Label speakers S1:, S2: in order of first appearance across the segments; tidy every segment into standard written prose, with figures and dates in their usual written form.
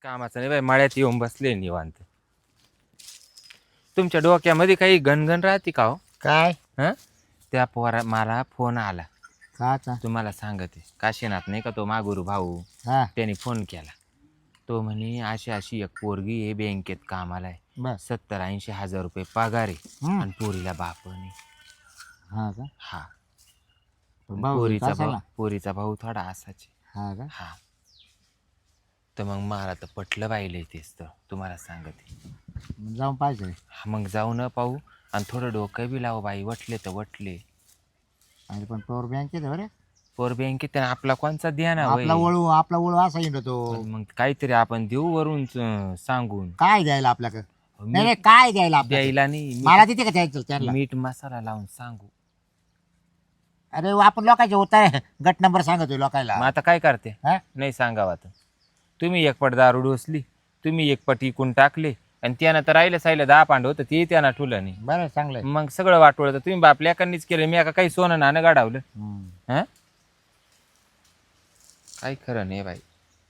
S1: कामाचं नाही बाई, मळ्यात येऊन बसले निवांत. तुमच्या डोक्यामध्ये काही गणगण राहते का हो?
S2: काय
S1: हं? त्या पोरा मला फोन आला.
S2: काचा
S1: तुम्हाला सांगते, काशीनाथ नाही का तो मागुरू भाऊ,
S2: हा
S1: त्याने फोन केला. तो म्हणे अशी अशी एक पोरगी आहे, बँकेत कामाला आहे,
S2: बस
S1: 70-80 हजार रुपये पगार आहे आणि पोरीला बाप नाही.
S2: हा का
S1: हा,
S2: भाऊ
S1: पोरीचा भाऊ थोडा असाच आहे.
S2: हा का
S1: हा, तर मग मला तर पटलं पाहिलं तेच तर तुम्हाला सांगते.
S2: मग जाऊन पाहिजे
S1: हा, मग जाऊ न पाहू आणि थोडं डोकं बी लावू बाई, वटले तर वटले.
S2: आणि पण पॉवर बँक आहे बरं
S1: पोर बँकेत आपला कोणचा द्या ना
S2: आपला वळू असा येतो
S1: मग काहीतरी आपण देऊ वरून सांगून.
S2: काय द्यायला आपल्याकडे नाही नाही, काय द्यायला आपल्याकडे?
S1: द्यायला नाही,
S2: मला तिथे का द्यायचं त्यांना
S1: मीठ मसाला लावून सांगू.
S2: अरे आपण लोकांचे होता गट नंबर सांगतोय लोकांना.
S1: मग आता काय करते?
S2: हा?
S1: नाही सांगावा तर. तुम्ही एक पट दारू डोसली, तुम्ही एक पट इकून टाकले आणि त्यानं तर राहिलं सायलं 10 पांड होतं, ते त्यानं ठुलं नाही.
S2: बरं चांगलं आहे.
S1: मग सगळं वाटवलं तर तुम्ही बापल्या एकांनीच केलं, मी एका काही सोनं नाणं गाडावलं. हा, काही खरं नाही बाई.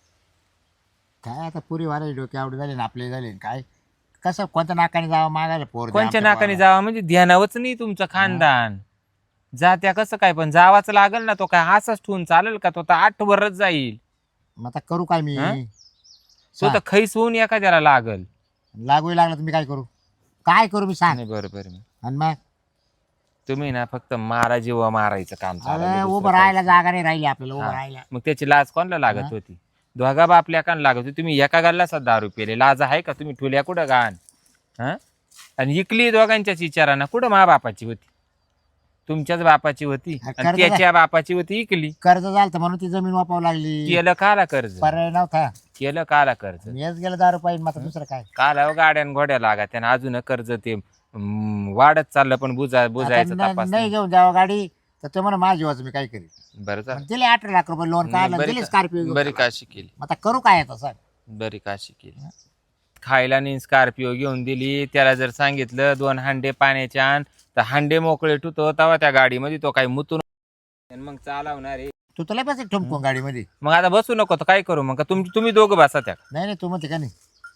S2: काय आता पुरी वाले डोके आवडी झाले ना आपले झाले काय कसं कोणत्या नाकाने जावं मागायला पोर
S1: कोणच्या नाकाने जावा म्हणजे ध्यानावच नाही तुमचं खानदान. जात्या कसं काय, पण जावाच लागल ना. तो काय असाच ठेवून चालेल का? तो तर 8 वरच जाईल.
S2: मग आता करू काय मी?
S1: हा? तो तर खैस होऊन एखाद्याला लागल.
S2: लागू लागलं तर मी काय करू मी सांग.
S1: नाही बरोबर.
S2: आणि मग
S1: तुम्ही ना फक्त मारा जीवा मारायचं काम चालवलं,
S2: अरे
S1: दुसरं
S2: उभं
S1: काही.
S2: राहायला जागा नाही राहिली आपल्याला उभं
S1: हा.
S2: राहायला.
S1: मग त्याची लाज कोणाला लागत होती? दोघा बापल्या कान लागत होती. तुम्ही एका गाला 10 रुपये लाज आहे का? तुम्ही ठुल्या कुठं गाण? हा, आणि इकली दोघांच्याच विचारानं. कुठं मा बापाची होती? तुमच्याच बापाची होती
S2: हा,
S1: आणि
S2: कर्ज
S1: त्याच्या बापाची होती, इकली.
S2: कर्ज झालं तर म्हणून ती जमीन वापरावं लागली.
S1: केलं काला कर्ज?
S2: पर्याय नव्हता.
S1: केलं काला कर्ज?
S2: मीच गेलं 10 रुपये मग आता दुसरं काय?
S1: काला गाड्यान घोड्या लागा त्यानं अजून कर्ज ते वाढत चाललं, पण बुजायचं
S2: आता
S1: तपास
S2: नाही घेऊन जावं गाडी तर ते म्हणा माझी वाच मी काय करेन.
S1: बरं झालं.
S2: दिले 18 लाख रुपये लोन काढलं दिले स्कॉर्पिओ.
S1: बरी काशी केली,
S2: आता करू काय आता सांग.
S1: बरी काशी केली. खायला नाही स्कॉर्पिओ घेऊन दिली. त्याला जर सांगितलं 2 हांडे पाण्याचे आण, तर हांडे मोकळे ठुतो तेव्हा त्या गाडीमध्ये तो काही मुतून मग चालवणार आहे.
S2: तू तुला बस ठुमकून गाडीमध्ये.
S1: मग आता बसू नको तर काय करू? मग का तुम्ही दोघं बसा त्या.
S2: नाही नाही तू म्हणते का नाही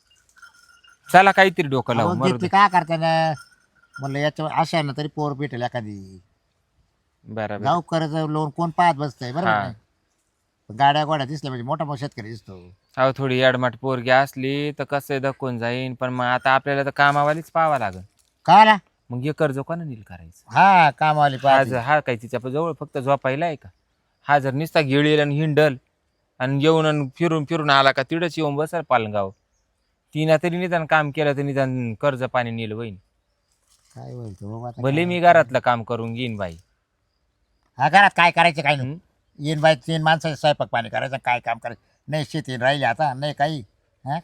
S1: चला काहीतरी डोकं लावू.
S2: अहो,
S1: मरू
S2: घेतली
S1: दे.
S2: काय करते ना म्हणलं याच्या अशा ना तरी पोर भेटेल एखादी.
S1: बरोबर.
S2: जाऊ कर्ज लोन कोण पाहत बसतंय बरोबर
S1: हा.
S2: नाही? गाड्या गोड्या दिसल्या म्हणजे मोठा शेतकरी दिसतो.
S1: अहो थोडी अडमट पोरगी असली तर कसं धक्कून जाईन, पण मग आता आपल्याला तर कामावालीच पाहावं लागल.
S2: कळाला?
S1: मग हे कर्ज कोणा नील करायचं?
S2: हा कामवाली
S1: हा
S2: पाहिजे.
S1: हा काय तिच्या जवळ फक्त झोपायला आहे का? हा जर नुसता गिळील आणि हिंडल आणि येऊन आणि फिरून फिरून आला का तिडच येऊन बसल पालगाव. तिनं तरी निदान काम केलं तर निदान कर्ज पाणी नील होईन.
S2: काय होईल तो बाबा आता
S1: भले
S2: काय?
S1: मी घरातलं काम करून घेईन बाई.
S2: हा घरात काय करायचं काय नाही.
S1: हं?
S2: येईन बाई 3 माणसाचं स्वयंपाक पाणी करायचं काय काम करायचं नाही. शेती राहिली आता नाही काही. हा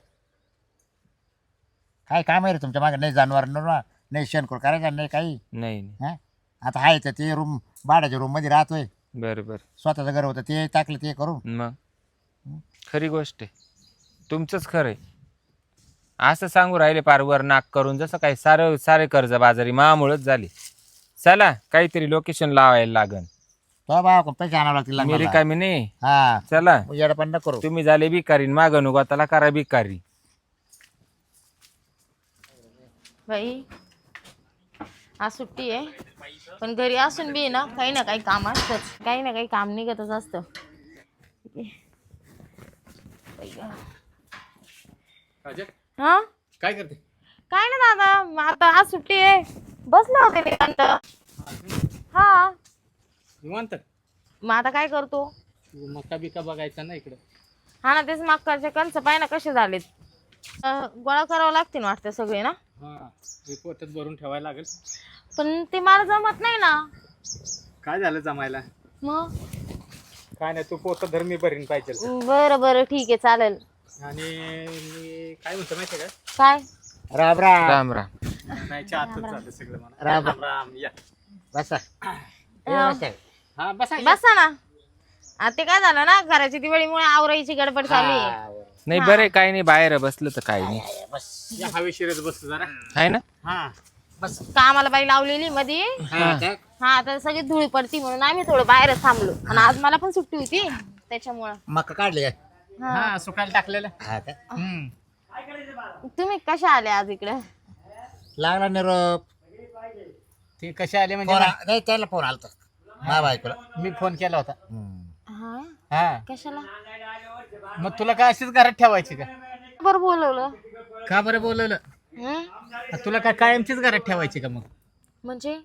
S2: काय काम आहे रे तुमच्या मागे? नाही जनावर नाही शेणखोर करायचं नाही काही.
S1: नाही नाही.
S2: हा आता आहे तर ते रूम भाड्याच्या रूम मध्ये राहतोय.
S1: बरोबर.
S2: स्वतःचं घर होतं ते टाकलं ते करून.
S1: मग खरी गोष्ट आहे, तुमचंच खरं आहे. असं सांगू राहिले पार वर नाक करून, जसं काही सारे कर्ज बाजारी मामुळेच झाली. चला काहीतरी लोकेशन लावायला लागन.
S2: तो बाबा पैसे आणावं लागतील
S1: मी
S2: लग्नाला.
S1: रिकामी नाही.
S2: हा
S1: चला
S2: येडं पण न करू.
S1: तुम्ही झाले भिकारी, मागं नुगताला करा भिकारी.
S3: बाई आज सुट्टी आहे पण घरी असून बी ना काही काम असतंच. काही ना काही काम निघतच असतं. हा
S4: काय करते?
S3: काय ना दादा, मग आता आज सुट्टी आहे, बसले होते निवांत. हा
S4: निवांत.
S3: मग आता काय करतो?
S4: मका बिका बघायचा ना इकडं.
S3: हा ना, तेच मक्काचे कणस पाय ना कसे झालेत. गोळा करावं लागतील वाटतं सगळे ना.
S4: हा रिपोर्टच भरून ठेवायला लागेल.
S3: पण ते मला जमत नाही ना.
S4: काय झालं जमायला?
S3: मग
S4: काय नाही, तू पोत धर्मी भरीन पाहिजे.
S3: बरं बरं ठीक आहे चालेल.
S4: आणि मी काय म्हणतो माहिती का?
S3: काय?
S2: राम राम.
S1: राम राम.
S4: नाही आतच झालं सगळं मला.
S2: राम
S4: राम या.
S2: बसा.
S4: हा बसा.
S3: बसा ना. आता ते काय झालं ना, घराची दिवाळीमुळे आवरायची गडबड झाली.
S1: नाही बरे, काही नाही, बाहेर बसलं तर काही नाही.
S4: या हवेशीरच बसतो जरा.
S1: आहे ना.
S4: हा
S2: बस.
S3: कामाला बाई लावलेली मध्ये. हा आता सगळी धुळी पडती म्हणून आम्ही थोडं बाहेरच थांबलो. आणि आज मला पण सुट्टी होती त्याच्यामुळं.
S2: मका काढले काय?
S4: हा सुकायला टाकलेलं.
S2: हा का
S3: तुम्ही कशा आले आज इकडे?
S2: लागला निरोप.
S4: ते कसे आले म्हणजे
S2: नाही त्याला फोन आलता माझ्या बायकोला.
S4: मी फोन केला होता.
S3: हा
S4: हा
S3: कशाला?
S4: मग तुला काय अशीच घरात ठेवायची का?
S3: बरं बोलवलं.
S4: का बरं बोलवलं?
S3: हं?
S4: तुला काय कायमचीच घरात ठेवायची का? मग
S3: म्हणजे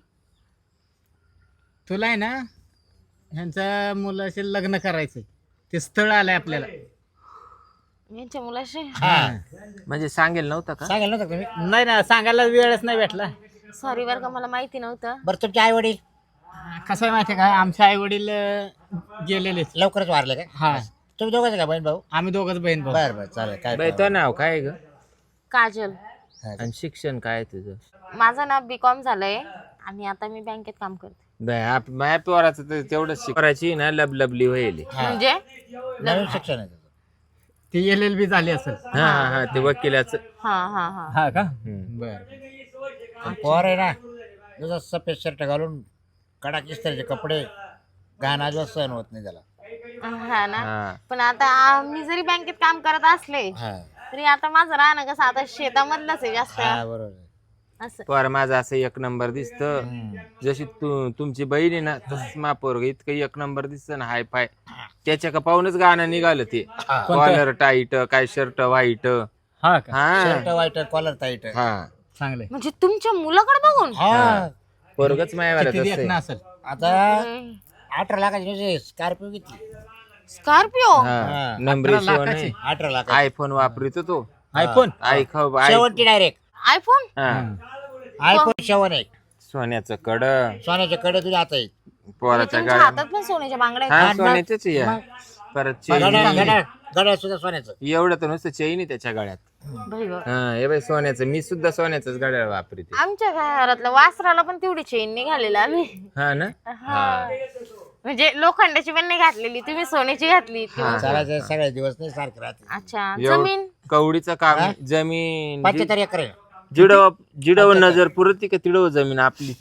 S4: तुला आहे ना ह्यांच्या मुलाशी लग्न करायचंय. ते स्थळ आलंय आपल्याला.
S3: यांच्या मुलाशी?
S2: हा
S1: म्हणजे सांगेल नव्हतं का?
S2: सांगेल नव्हतं का तुम्ही?
S4: नाही ना सांगायला वेळच नाही भेटला.
S3: सॉरी बरं का, मला माहिती नव्हतं.
S2: बरं तुमचे आई वडील
S4: कसं आहे माहितीये का, आमचे आई वडील गेलेले.
S2: लवकरच वारले का?
S4: हा
S2: तुम्ही दोघंच का बहीण भाऊ?
S4: आम्ही दोघच बहीण भाऊ.
S2: बरं बरं चालेल काय
S1: बाई तो नाव काय ग?
S3: काजल.
S1: आणि शिक्षण काय आहे तुझं?
S3: माझं ना B.Com झालंय आणि आता मी बँकेत काम करते.
S1: माझ्या पोराचं तर तेवढंच शिकायची ना लबलबली होईल.
S3: म्हणजे
S2: नवीन शिक्षण आहे त्याचं.
S4: ती LLB झाली असेल.
S1: हा हा हा ते वकिलाचं.
S3: हा हा हा.
S4: हा का?
S1: हम्म.
S4: बर.
S2: पोर आहे ना तुझा सफेद शर्ट घालून कडक इस्त्रीचे कपडे गाणं अजिबात सहन होत नाही त्याला.
S3: हा ना.
S1: हा.
S3: पण आता मी जरी बँकेत काम करत असले
S2: हा
S3: तरी आता माझं राहणं कसं आता शेतामधलंच आहे जास्त.
S2: हा बरोबर आहे.
S3: असं
S1: पोर माझं असं एक नंबर दिसत. जशी तुमची बहीण आहे ना तसंच मा पोरग इतकं एक नंबर दिसत ना हाय फाय. त्याच्या का पाहूनच गाणं निघालं ते. कॉलर टाईट काय शर्ट व्हाईट.
S4: हा का?
S1: हा
S2: शर्ट वाईट कॉलर टाईट.
S1: हा
S4: चांगलंय.
S3: म्हणजे तुमच्या मुलाकडे बघून?
S2: हा
S1: पोरगच मायावाला
S4: किती देखणं
S1: तसं
S4: असेल?
S2: आता 18 लाखाची स्कॉर्पिओ घेतली.
S3: स्कॉर्पिओ?
S1: हा नंबरी
S4: 18 लाखाची?
S2: 18 लाख
S1: आयफोन वापरतो तो.
S4: आयफोन?
S1: आय खाऊ
S2: शेवंती डायरेक्ट
S3: आयफोन?
S2: आयफोन 7 आहे.
S1: सोन्याचं कड
S2: सोन्याचे कडे तुझ्या हात आहे.
S1: पोराच्या
S3: तुमच्या
S1: गाड्या
S3: हातात पण सोन्याच्या बांगड्या आहेत?
S1: हा सोन्याचेच या. परत
S2: गड्या सुद्धा सोन्याचं.
S1: एवढं तर नुसतं चेन आहे त्याच्या गळ्यात.
S3: बाई गं.
S1: हा हे बाई सोन्याचं. मी सुद्धा सोन्याचंच गड्या वापरते.
S3: आमच्या घरातलं वासराला पण तेवढी चेन निघालेलं आम्ही.
S1: हा ना.
S3: हा. म्हणजे लोखंडाची पण नाही घातलेली, तुम्ही सोन्याची घातली.
S2: चालायचे सगळे दिवस नाही सारखे राहते.
S3: अच्छा.
S1: एवढं
S3: जमीन?
S1: कवडीचं काम जमीन
S2: 75 एकर आहे.
S1: जिडव नजर पुरती का तिडव जमीन आपली.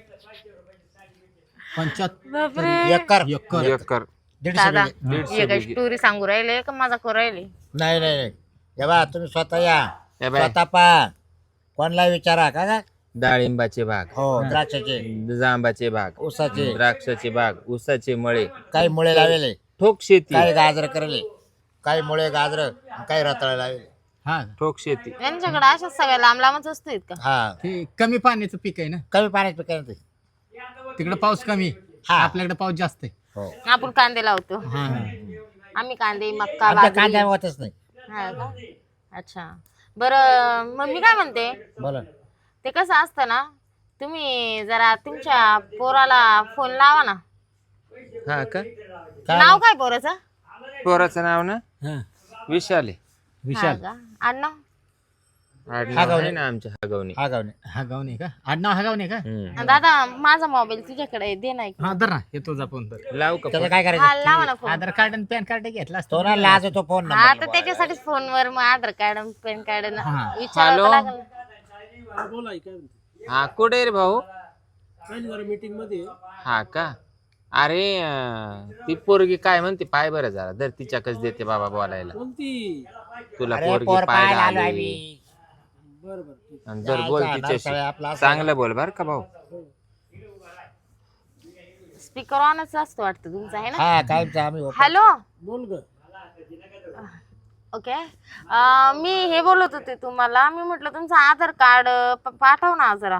S4: 75
S2: एकर
S1: एकर
S2: 150
S3: दादा
S2: बिघे.
S3: हे काय स्टोरी सांगू राहिले का माझा करू राहिले?
S2: नाही नाही नाही हे बा तुम्ही स्वतः या
S1: हे बाई,
S2: स्वतः पा कोणला विचारा का
S1: डाळिंबाचे बाग,
S2: हो द्राक्षाचे
S1: जांबाचे बाग,
S2: ऊसाचे
S1: द्राक्षाचे बाग, ऊसाचे मळे,
S2: काही मुळे लावले
S1: ठोक शेती,
S2: काही गाजर करले काही मुळे गाजर काही रताळे लावले.
S4: हा
S1: ठोक शेती.
S3: यांच्याकडे अशा सगळ्या लांब लांबच असतो का?
S2: हा
S4: ते कमी पाण्याचं पीक आहे ना.
S2: कमी पाण्यात पिकायला ते.
S4: तिकडे पाऊस कमी.
S2: हा.
S4: आपल्याकडे पाऊस जास्त आहे.
S2: हो
S3: आपण कांदे लावतो.
S4: हा
S3: आम्ही कांदे, मक्का,
S2: आमच्या
S3: बाजरी.
S2: कांद्या होतच नाही.
S3: हा का? अच्छा. बरं मग मी काय म्हणते,
S2: बोला
S3: ते कसं असतं ना, तुम्ही जरा तुमच्या पोराला फोन लावा ना.
S1: हा का?
S3: नाव काय पोराचं?
S1: पोराचं नाव ना
S4: हा.
S1: विशाल आहे.
S4: विशाल.
S3: हा का? आडनाव?
S1: आडनाव आहे ना आमच्या हागवणी.
S2: हा गावने
S4: हा गाव नाही का? आडनाव हा गाव नाही का?
S1: हम्म.
S3: दादा माझा मोबाईल तुझ्याकडे आहे, दे ना एक.
S4: हा दर ना येतो जा फोन तर.
S1: लावू का
S2: त्याचं
S1: फोन?
S2: काय
S3: हा
S2: करायचं
S3: लावा ना फोन.
S4: आधार कार्ड आणि पॅन कार्ड घेतला असतो.
S2: तो ना लाज तो फोन
S3: हा
S2: नंबर
S3: तर त्याच्यासाठीच फोनवर मग आधार कार्ड पॅन कार्ड
S4: हा.
S3: विचारावं
S1: हॅलो?
S3: लागेल.
S1: हा कुठे आहे रे भाऊ?
S4: मीटिंग मध्ये.
S1: हा का? अरे ती पोरगी काय म्हणते पाय बरं जरा दर तिच्याकच देते बाबा बोलायला. तुला
S2: अरे
S1: पोरगी
S2: पोर
S1: पाहायला
S2: पाहायला आलो
S1: आली.
S2: आम्ही.
S1: आणि जर बोल
S2: जायचं,
S1: तिच्याशी
S2: नारसाळे आपलं असं.
S1: चांगलं बोल बर का भाऊ.
S3: स्पीकर ऑनच असतो वाटतं तुमचा, आहे ना?
S2: हा कायमचं आम्ही open.
S3: हॅलो. ओके. मी हे बोलत होते तुम्हाला, मी म्हटलं तुमचं आधार कार्ड पाठव ना जरा.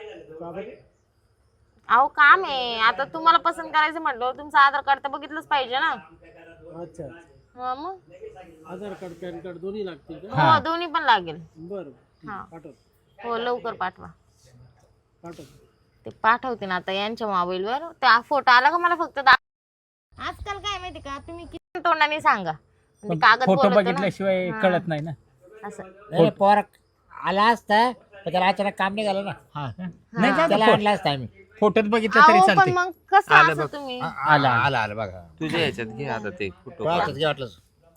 S3: अहो काम आहे आता, तुम्हाला पसंत करायचं म्हटलं तुमचं आधार कार्ड तर बघितलंच पाहिजे ना.
S5: अच्छा
S3: हा मग
S5: आधार कार्ड पॅन कार्ड दोन्ही लागतील का?
S3: हो दोन्ही पण लागेल.
S5: बरं
S3: हा
S5: पाठव
S3: हो लवकर पाठवा.
S5: पाठव.
S3: ते पाठवते ना आता यांच्या मोबाईलवर. त्या फोटो आला का मला फक्त आजकाल काय माहिती का, तुम्ही किती तोंडाने सांगा म्हणजे कागद
S4: फोटो
S3: बोलतो ना.
S4: बघितल्याशिवाय
S3: हा.
S4: कळत नाही ना.
S3: असं
S2: नाही, पोर आला असता पण त्याला अचानक काम नाही झालं ना.
S4: हा का? नाही
S2: त्याला
S4: त्याला
S2: आणला असता आम्ही.
S4: फोटोत बघितलं तरी
S3: अहो पण
S4: चालते.
S3: मग कसं
S1: आलं
S3: असं
S1: बघ.
S3: तुम्ही
S2: आला आला आला बघा
S1: तुझ्या ह्याच्यात घे आता ते फोटो.
S2: तो हातात घे वाटलं.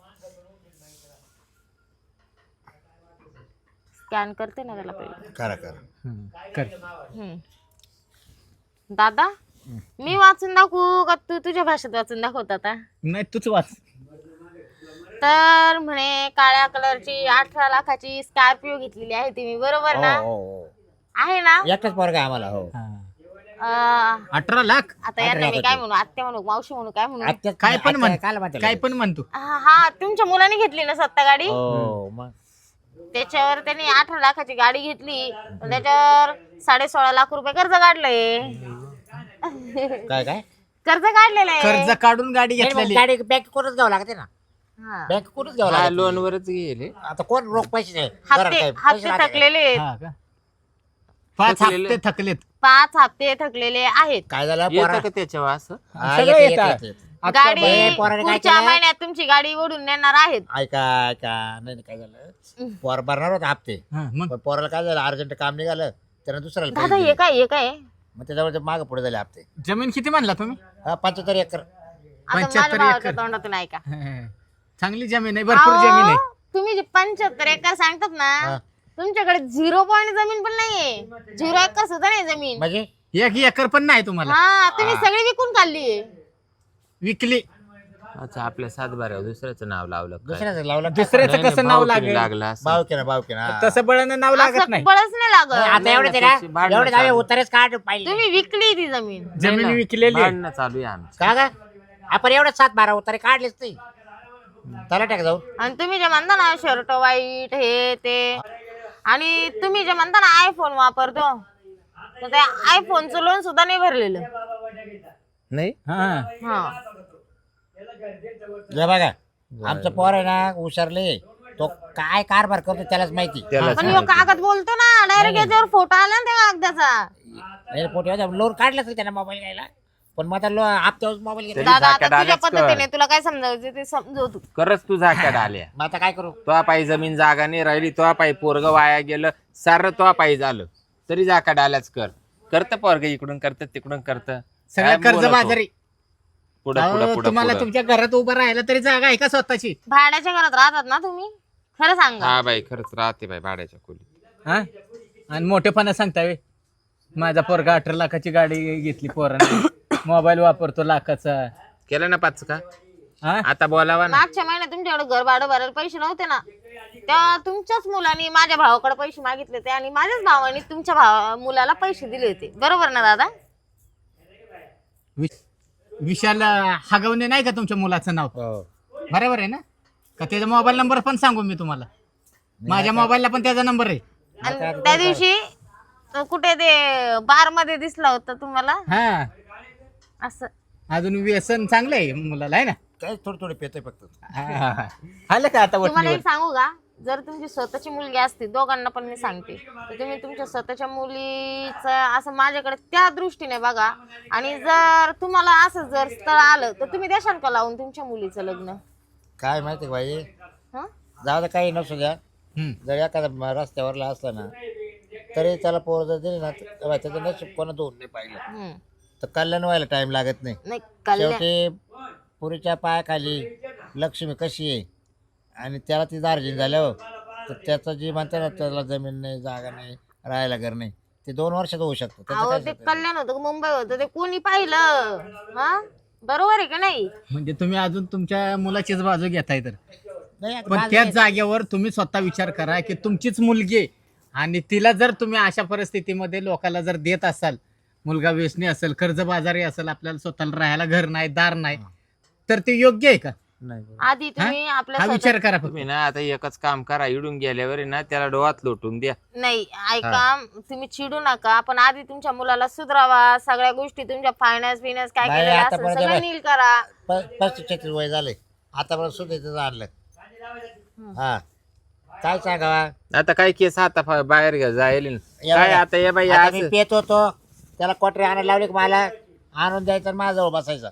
S3: स्कॅन करते ना त्याला पहिले.
S2: करा करा
S4: कर.
S3: हम्म. दादा मी वाचून दाखवू का तू तुझ्या भाषेत वाचून दाखवत आता?
S4: नाही तूच वाच.
S3: तर म्हणे काळ्या कलरची 18 लाखाची स्कॉर्पिओ घेतलेली आहे तुम्ही, बरोबर ना?
S2: हो हो
S3: आहे ना?
S2: एकच पोरगा आम्हाला हो
S4: हा.
S3: अं,
S4: 18 लाख
S3: आता यांना मी काय म्हणू, आत्या म्हणू, मावशी म्हणू, काय म्हणू?
S2: आत्याच
S4: काय पण म्हण
S2: काय म्हणते
S4: काय पण म्हणतो.
S3: हा, तुमच्या मुलाने घेतली ना स्वतः गाडी,
S2: हो मग
S3: त्याच्यावर त्यांनी 18 लाखाची गाडी घेतली, पण त्याच्यावर 16.5 लाख रुपये कर्ज काढलंय.
S2: काय काय
S3: कर्ज काढलेलं आहे.
S4: कर्ज काढून गाडी
S2: नाही, मग
S4: घेतलेली.
S2: गाडी बँक करूनच घ्यावं लागते ना
S3: हा.
S2: बँक करूनच घ्यावं
S1: हा
S2: लागते
S1: लोनवरच गेले.
S2: आता कोण रोख पैसे नाही घरात
S3: हप्ते
S2: काय, पैसे
S3: हप्ते
S2: राहते काय?
S3: थकलेले आहेत.
S4: हा का? 5
S1: थकलेले.
S4: हप्ते थकलेत.
S3: 5 हप्ते थकलेले आहेत.
S2: काय झालं
S1: येतं का त्याच्यावर असं?
S2: हा,
S4: सगळं
S2: येतं,
S4: येतं.
S2: येतं, येतं.
S4: अख्ख्या
S3: गाडी
S2: बाई, पोराने काय
S3: पुढच्या
S2: केलं?
S3: महिन्यात तुमची गाडी ओढून नेणार आहेत.
S2: ऐका ऐका नाही नाही, काय झालं पोर भरणार होता हप्ते
S4: हा, मग
S2: पण पोराला काय झालं अर्जंट काम निघालं त्यानं दुसऱ्याला
S3: दादा
S2: पैसे
S3: हे
S2: दिले.
S3: काय हे काय
S2: मग त्याच्यावर मागे पुढे झाले हप्ते
S4: जमीन किती म्हणला तुम्ही?
S2: 75 एकर
S3: आता माझ्या
S4: 75
S3: भावाच्या
S4: एकर.
S3: तोंडातून ऐका.
S4: चांगली जमीन आहे, भरपूर जमीन आहे.
S3: अहो, तुम्ही जे 75 एकर सांगतात ना,
S2: हा.
S3: तुमच्याकडे 0 पॉईंट जमीन पण नाहीये. 0 एकर सुद्धा नाही जमीन.
S2: म्हणजे
S4: 1 एकर पण नाही तुम्हाला.
S3: हा, तुम्ही सगळी विकून काढली.
S4: विकली.
S1: अच्छा, आपल्या सातबाऱ्यावर दुसऱ्याचं नाव लावलं काय?
S2: दुसऱ्याचं लावलं
S4: दुसऱ्याचं
S1: नाही,
S4: कसं
S1: नाही,
S4: नाव
S1: भावकीने
S4: लागेल?
S1: लागलं असं.
S2: भावकीना
S4: तसं बळानं नाव लागत
S3: असं
S4: नाही.
S3: बळच नाही लागत.
S2: आता एवढे ते
S1: त्याची भांडणं
S2: एवढे जावे
S1: चालू.
S2: उतारेच काढ पाहिजे
S3: तुम्ही विकली ती जमीन.
S4: जमीन
S1: नाही ना,
S4: विकलेली आहे.
S1: भांडणं चालू आहे आमची.
S2: का ग आपण एवढे 7-12 उतारे काढलेच नाही त्याला टाक जाऊन
S3: आणि तुम्ही जे म्हणता ना शर्ट वाईट हे ते, आणि तुम्ही जे म्हणता ना आयफोन वापरतो, तर त्या आयफोनचं लोन सुद्धा नाही भरलेलं.
S1: नाही
S4: हा.
S3: हा.
S2: जे बघा आमचं पोर आहे ना हुशारले तो काय कारभार करतो त्यालाच माहिती
S1: त्याला
S3: पण ह्यो कागद बोलतो ना, डायरेक्ट याच्यावर फोटो आला ना त्या कागदाचा.
S2: नाही फोटो लोन काढलं नाही त्याला मोबाईल घ्यायला पण मग आता हप्त्यावर मोबाईल घेतला
S3: दादा आता
S1: झाक्यात
S3: तुझ्या
S1: आल्याच कर.
S3: पद्धतीने तुला काय समजावते ते समजव तू.
S1: खरंच तू झाक्यात आल्या.
S2: मग आता काय करू
S1: तो पायी जमीन जागा नाही राहिली, तो पायी पोरग वाया गेलं, सारं तो पायी झालं तरी जाका डाल्याच कर. करत पोरग इकडून करत तिकडून करत,
S4: सगळं कर्ज बाजारी.
S1: पुढे
S4: अहो,
S1: पुढे पुढे
S4: तुम्हाला तुमच्या घरात उभं राहायला तरी जागा आहे का स्वतःची?
S3: भाड्याच्या घरात राहतात ना तुम्ही, खरं सांगा.
S1: हा बाई खरंच राहते बाई भाड्याच्या खोलीत.
S4: हा. आणि मोठेपणा सांगताय माझा पोरगा 18 लाखाची गाडी घेतली पोराने, मोबाईल वापरतो लाखाचा.
S1: केलं ना 5 का?
S4: हा.
S1: आता बोलावा ना.
S3: मागच्या महिन्यात तुमच्याकडे घर भाडं भरायला पैसे नव्हते ना, तेव्हा तुमच्याच मुलांनी माझ्या भावाकडे पैसे मागितले होते आणि माझ्याच भावाने तुमच्या मुलाला पैसे दिले होते, बरोबर ना दादा?
S4: विशाल हगवणे नाही का तुमच्या मुलाचं नाव?
S2: हो.
S4: बरोबर आहे ना? का त्याचा मोबाईल नंबर पण सांगू मी तुम्हाला? माझ्या मोबाईलला पण त्याचा नंबर आहे.
S3: आणि त्या दिवशी तो कुठे ते बार मध्ये दिसला होता तुम्हाला
S4: हा.
S3: असं.
S4: अजून व्यसन चांगलं आहे मुलाला आहे ना?
S2: काय थोडे पेतोय फक्त
S4: हा. आलं का आता
S3: तुम्हाला
S4: वटणीवर?
S3: एक सांगू का, जर तुमची स्वतःची मुलगी असती, दोघांना पण मी सांगते, तर तुम्ही तुमच्या स्वतःच्या मुलीचं असं माझ्याकडे त्या दृष्टीने बघा, आणि जर तुम्हाला असं जर स्थळ आलं तर तुम्ही देशाल का लावून तुमच्या मुलीचं लग्न?
S2: काय माहिती का बाई
S3: हं?
S2: जाऊ दे काही नसू द्या
S4: हम्म.
S2: जर एखादा रस्त्यावरला असला ना तरी त्याला पोर जर दिली ना तर त्याचं नशीब कोणा दोन नाही पाहिलं
S3: हं.
S2: तर कल्याण व्हायला टाइम लागत नाही
S3: नाही कल्याण.
S2: शेवटी पुरीच्या पायाखाली लक्ष्मी कशी आहे आणि त्याला ती दार्जिन झाल्यावर तर त्याचं जी म्हणते ना त्याला जमीन नाही जागा नाही राहायला घर नाही ते 2 वर्षात होऊ शकतं त्याचं
S3: अहो
S2: काय
S3: ते
S2: शकतं?
S3: कल्याण होतं का मुंबई होतं ते कोणी पाहिलं? हा, बरोबर आहे का नाही?
S4: म्हणजे तुम्ही अजून तुमच्या मुलाचीच बाजू घेताय तर.
S2: नाही आता
S4: पण
S2: माझं
S4: त्याच
S2: नाही.
S4: जागेवर तुम्ही स्वतः विचार करा की तुमचीच मुलगी आहे आणि तिला जर तुम्ही अशा परिस्थितीमध्ये लोकांना जर देत असाल, मुलगा व्यसनी असेल, कर्जबाजारी असेल, आपल्याला स्वतःला राहायला घर नाही, दार नाही, तर ते योग्य आहे का?
S2: नाही
S3: आधी तुम्ही आपल्या
S4: हा
S3: स्वतः-
S4: विचार करा फक्त.
S1: तुम्ही ना आता एकच काम करा, इडून गेल्यावर आहे ना त्याला डोळ्यात लोटून द्या.
S3: नाही ऐका, तुम्ही चिडू नका, पण आधी तुमच्या मुलाला सुधरावा, सगळ्या गोष्टी तुमच्या फायनान्स बिनान्स काय
S2: बाई,
S3: केलेलं
S2: आता
S3: असेल
S2: परत
S3: सगळं
S2: बाई.
S3: नील करा.
S2: 35-36 वय झाले आतापर्यंत सुद्धा इथं आणलं हा काय सांगावा
S1: आता काय केस आता बाहेर घ्या जाईल
S2: या
S1: काय
S2: बघा.
S1: आता ये बाई
S2: आता
S1: आज
S2: मी पेत होतो त्याला क्वाटरी आणायला लावली की मला आणून द्यायचं आणि माझ्याजवळ बसायचं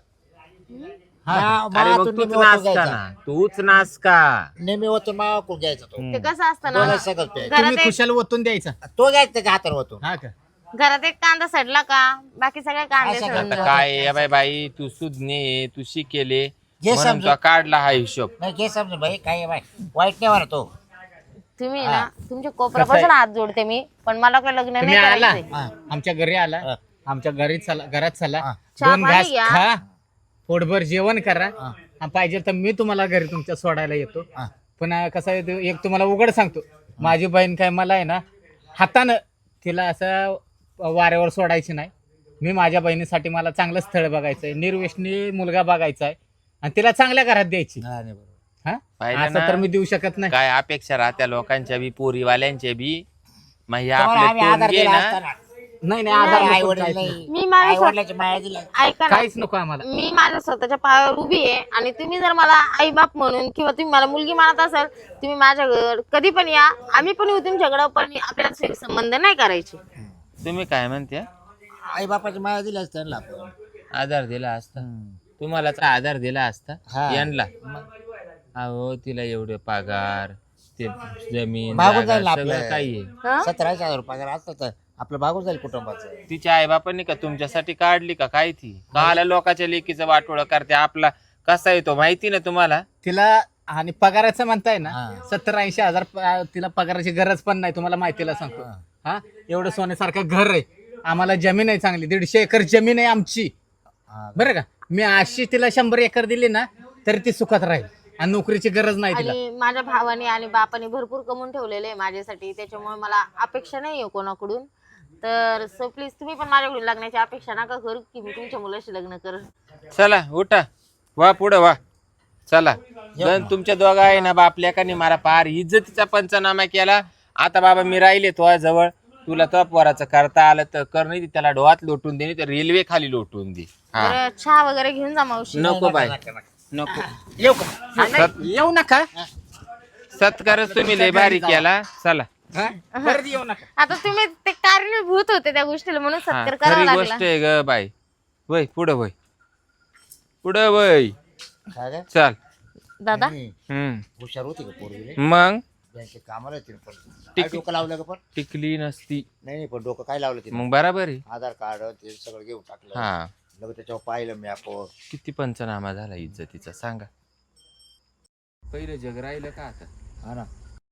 S1: अरे मग तूच नाच का ना, तूच नाच का.
S2: नेहमी होतो मावाकडून घ्यायचा तो
S3: ते कसं असतं ना,
S2: दोघं सगळं प्यायचं.
S3: घरात
S4: तुम्ही
S3: एक
S4: खुशाल ओतून द्यायचा.
S2: तो घ्यायचा त्याच्या हातावर होतो
S4: हा का?
S3: घरात एक कांदा सडला का बाकी सगळे कांदे
S2: असं
S3: सडून
S2: करता
S3: जातात.
S1: काय ये बाई बाई तू सुज्ञे तू शिकेले
S2: जे
S1: म्हणून
S2: समजून.
S1: तो काढला हा हिशोब.
S2: नाही घे समजून भाई काय आहे बाई वाईट नाही म्हणा तो
S3: तुम्ही ना तुमच्या कोपऱ्यापासून हात जोडते मी, पण मला काही लग्न नाही
S4: तुम्ही आला
S3: करायचंय.
S2: हा.
S4: आमच्या घरी आला,
S2: हा.
S4: आमच्या घरी चला, घरात चला,
S2: हा.
S3: 2
S4: घास
S3: घ्या.
S4: खा, पोटभर जेवण करा, आणि पाहिजे तर मी तुम्हाला घरी तुमच्या सोडायला येतो.
S2: हा.
S4: पण कसं आहे ते, एक तुम्हाला उघड सांगतो, माझी बहीण काय मला आहे ना हातानं तिला असं वाऱ्यावर सोडायची नाही. मी माझ्या बहिणीसाठी मला चांगलं स्थळ बघायचं आहे, निर्व्यसनी मुलगा बघायचा आहे आणि तिला चांगल्या घरात द्यायची.
S2: हा, नाही बरोबर.
S4: हा
S1: पाहिलं
S4: असं
S1: ना?
S4: तर मी देऊ शकत नाही.
S1: काय अपेक्षा राहत्या लोकांच्या बी पोरीवाल्यांच्या बी. मग हे
S2: तुम्हाला
S1: आपले
S2: आम्ही आधार
S1: तोंडगे
S2: दिला
S1: ना
S2: असताना.
S4: नाही नाही आधार
S2: आई
S4: नको,
S2: वडील
S4: काहीच
S2: नाही.
S4: नको.
S3: मी माझ्या
S2: आई वडिलाची माया दिली.
S3: ऐका ना,
S4: काहीच नको आम्हाला.
S3: मी माझ्या स्वतःच्या पायावर उभी आहे आणि तुम्ही जर मला आई बाप म्हणून किंवा तुम्ही मला मुलगी मानत असाल, तुम्ही माझ्याकडे कधी पण या, आम्ही पण येऊ तुमच्याकडं, पण आपल्याला सैर संबंध नाही करायचे.
S1: तुम्ही काय म्हणते?
S2: आई बापाची माया दिली असते त्यांना आपण.
S1: आधार दिला असता तुम्हाला तर आधार दिला असता
S2: हा.
S1: यांना. अहो तिला एवढे पगार, ते जमीन
S2: भागून
S1: जागा,
S2: जाईल ना
S1: सगळं
S2: आपलं.
S1: काही आहे.
S3: हं?
S2: 17,000 रुपये असतं तर आपलं भागून जाईल कुटुंबाचं.
S1: तिच्या आई बापांनी का तुमच्यासाठी काढली का काय ती? काला लोकांच्या लेकीचं वाटोळं करते. आपला कसा येतो माहिती ना तुम्हाला?
S4: तिला आणि पगाराचं म्हणताय ना,
S2: हा.
S4: 70-80 हजार तिला पगाराची गरज पण नाही. तुम्हाला माहितीला सांगतो.
S2: हा.
S4: हा एवढं सोन्यासारखं घर आहे, आम्हाला जमीन आहे चांगली, 150 एकर जमीन आहे आमची.
S2: हा.
S4: बरं का, मी अशी तिला 100 एकर दिली ना तरी ती सुखात राहील आणि नोकरीची गरज नाही तिला.
S3: आणि माझ्या भावाने आणि बापाने भरपूर कमवून ठेवलेले आहे माझ्यासाठी, त्याच्यामुळे मला अपेक्षा नाही आहे कोणाकडून. तर सो प्लीज तुम्ही पण माझ्याकडून लग्नाची अपेक्षा नका करू की मी तुमच्या मुलाशी लग्न करेन.
S1: चला उठा, वा पुढं वा. चला गण तुमच्या दोघा आहे ना बापल्या का मला पार इज्जतीचा पंचनामा केला. आता बाबा मी राहिले तो जवळ, तुला तो पोराचं करता आलं तर कर, नाही त्याला डोहात लोटून दे, नाही तर रेल्वे खाली लोटून दे. हा
S3: तर चहा वगैरे घेऊन जा मावशी.
S1: नको बाय
S2: नका, नका.
S1: नको.
S2: येऊ का?
S4: येऊ नका.
S1: सत्कारच तुम्ही लय भारी केला. चला
S4: हा? परत येऊ नका.
S3: आता तुम्ही ते कारणीभूत होते त्या गोष्टीला म्हणून
S1: हा,
S3: सत्कार करावा
S1: खरी
S3: लागला.
S1: गोष्ट आहे ग बाई. वय पुढं वय, पुढं वय.
S2: काय काय?
S1: चल.
S3: दादा
S2: नाही,
S1: हम्म
S2: हुशार होती का पोरगी?
S1: मग
S2: बँकेत कामाला येते पण काय डोकं लावलं का पण?
S1: टिकली नसती
S2: नाही पण डोकं काय लावलं तिने?
S1: मग बराबर आहे.
S2: आधार कार्ड ते सगळं घेऊन टाकलं.
S1: हा
S2: लगेच त्याच्यावर पाहिलं मी आपण.
S1: किती पंचनामा झाला इज्जतीचा सांगा. पहिलं जग राहिलं का आता?
S2: हा ना,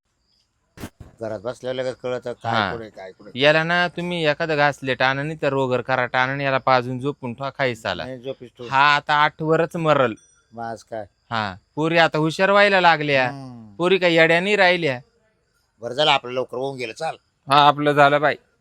S2: घरात बसल्या लगेच कळत
S1: हा.
S2: काय कुठे काय कुठे.
S1: याला ना तुम्ही एखादं घासले टाणं नाही तर रोगर करा टाणं, याला पाजून झोपून ठेवा खायचा.
S2: नाही जो पिस्टो
S1: हा आता 8 वरच मरल.
S2: मास काय.
S1: हा पोरी आता हुशार व्हायला लागल्या, पोरी काही येड्या नाही राहिल्या.
S2: बरं झालं आपलं लवकर होऊन गेलं. चाल
S1: हा आपलं झालं बाई.